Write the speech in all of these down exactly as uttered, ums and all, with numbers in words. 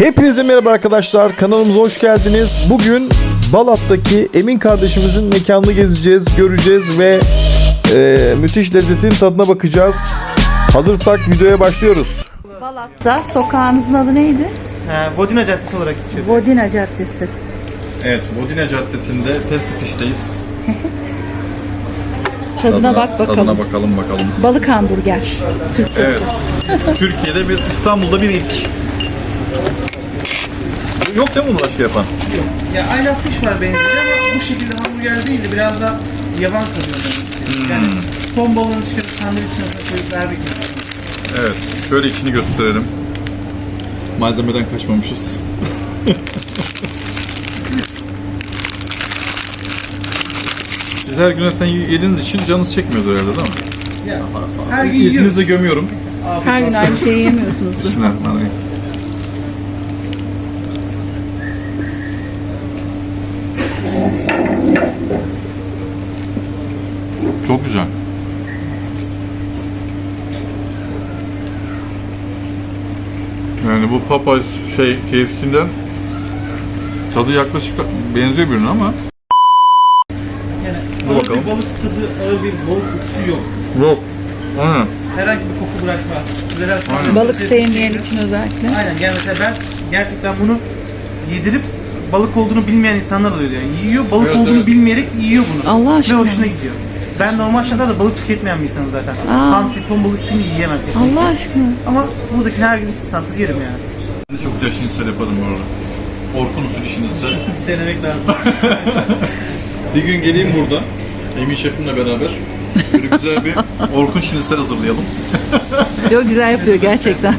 Hepinize merhaba arkadaşlar, kanalımıza hoş geldiniz. Bugün Balat'taki Emin kardeşimizin mekanını gezeceğiz, göreceğiz ve e, müthiş lezzetin tadına bakacağız. Hazırsak videoya başlıyoruz. Balat'ta sokağınızın adı neydi? Ee, Vodina Caddesi olarak geçiyor. Vodina Caddesi. Evet, Vodina Caddesi'nde Testi Fish'teyiz. Tadına bak bakalım. Tadına bakalım bakalım. Balık hamburger. Türkçesi. Evet, Türkiye'de bir, İstanbul'da bir ilk. Yok değil mi bunu başka yapan? Yok. Ya I Love Fish var benzeri ama bu şekilde hamburger değil de biraz da yaban kalıyor. Hmm. Yani ton balığını çıkarıp sandviçin arasına koyup vermek için. Evet, şöyle içini gösterelim. Malzemeden kaçmamışız. Siz her gün zaten yediğiniz için canınız çekmiyor herhalde değil mi? Ya, her gün yiyoruz. İzninizle gömüyorum. Her gün aynı şeyi yemiyorsunuz. Bismillahirrahmanirrahim. Çok güzel. Yani bu Popeyes şey K F C'den tadı yaklaşık benziyor birbirine ama Yani dur ağır bakalım. bir balık tadı, ağır bir balık kokusu yok. Yok. Aynen. Herhangi bir koku bırakmaz. Güzel. Aynen. Balık sevmeyen için özellikle. Aynen. Yani mesela ben gerçekten bunu yedirip balık olduğunu bilmeyen insanlar oluyor yani. Yiyor, balık Evet, olduğunu evet. bilmeyerek yiyor bunu. Allah Ve aşkına. hoşuna gidiyor. Ben normal şartlarda balık tüketmeyen bir insanım zaten. Aa. Hamsi, ton balık hiçbirini yiyemem kesinlikle. Allah aşkına. Ama buradakini her gün istisnasız yerim yani. Ben de çok güzel şinisel yaparım bu arada. Orkun usulü şinisel. Denemek lazım. Bir gün geleyim burada Emin şefimle beraber böyle güzel bir Orkun şinisel hazırlayalım. Çok güzel yapıyor gerçekten.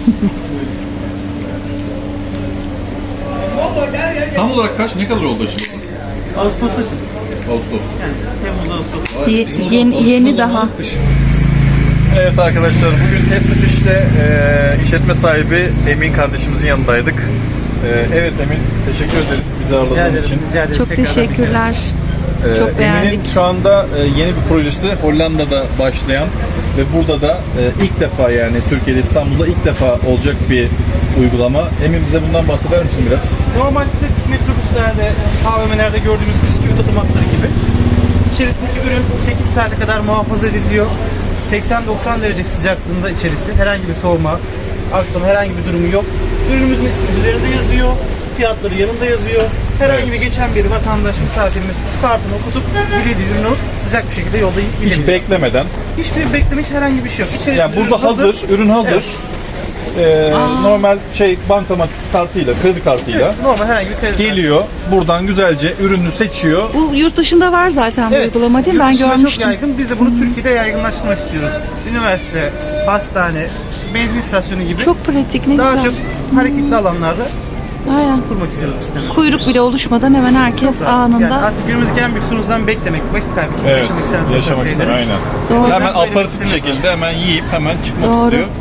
Tam olarak kaç, ne kadar oldu şimdi? Ağustos'ta Ağustos. yani Temmuz Ağustos. Ye- Bizim o yeni- zaman yeni alışma zamanı daha. kış. Evet arkadaşlar, bugün Testi Fish'te e, işletme sahibi Emin kardeşimizin yanındaydık. E, evet Emin, teşekkür ederiz bizi Rica ağırladığın ederim, için. rica ederim. Çok Tekrardan teşekkürler. Ee, Çok beğendik. Emin'in şu anda e, yeni bir projesi Hollanda'da başlayan ve burada da e, ilk defa, yani Türkiye'de, İstanbul'da ilk defa olacak bir uygulama. Emin, bize bundan bahseder misin biraz? bir- Normal klasik metrobüslerde, A V M'lerde gördüğümüz bisküvi otomatları gibi. İçerisindeki ürün sekiz saate kadar muhafaza ediliyor. seksen doksan derece sıcaklığında içerisi. Herhangi bir soğuma, aksama, herhangi bir durumu yok. Ürünümüzün ismi üzerinde yazıyor. Fiyatları yanında yazıyor. Herhangi Evet. bir geçen bir vatandaş, misafirimiz kartını okutup dilediği ürünü alıp sıcak bir şekilde yolda yiyip Hiç gidebiliyor. beklemeden. Hiçbir beklemiş herhangi bir şey yok. İçerisinde Yani burada ürün hazır, ürün hazır. Evet. Ee, normal şey bankamat kartıyla, kredi kartıyla Evet, normal herhangi bir kredi. geliyor. Buradan güzelce ürünü seçiyor. Bu yurt dışında var zaten bu Evet, uygulama değil mi? yurt Ben dışında görmüştüm. çok yaygın. Biz de bunu Türkiye'de yaygınlaştırmak istiyoruz. Üniversite, hastane, benzin istasyonu gibi Çok pratik, ne daha güzel. çok hareketli alanlarda Aynen. kurmak istiyoruz bu sistemi. Kuyruk bile oluşmadan hemen herkes Çok rahat. anında. Yani artık günümüzdeki en büyük sorunuzdan beklemek, vakit kaybı. Kimse Evet, yaşamak istemez. bu yaşamak tarz ister, şeyleri. aynen. Doğru. Hemen Böyle bir aparatif bir sistemimiz şekilde hemen yiyip hemen çıkmak Doğru. istiyor.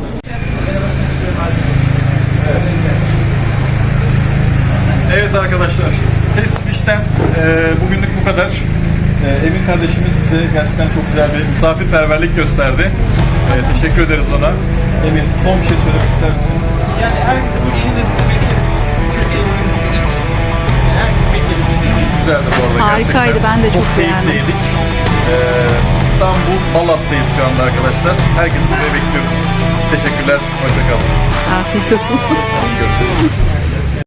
Evet arkadaşlar, Testi Fish'ten e, bugünlük bu kadar. E, Emin kardeşimiz bize gerçekten çok güzel bir misafirperverlik gösterdi. E, teşekkür ederiz ona. Emin, son bir şey söylemek ister misin? Yani herkese bu yeni lezzeti bekleriz. Türkiye'de yeni lezzeti yani herkese bekleriz. Güzeldi bu arada Harikaydı, gerçekten. ben de çok keyifli beğendim. yedik. E, İstanbul Balat'tayız şu anda arkadaşlar. Herkesi buraya bekliyoruz. Teşekkürler, hoşça kalın. Afiyet olsun. Görüşürüz.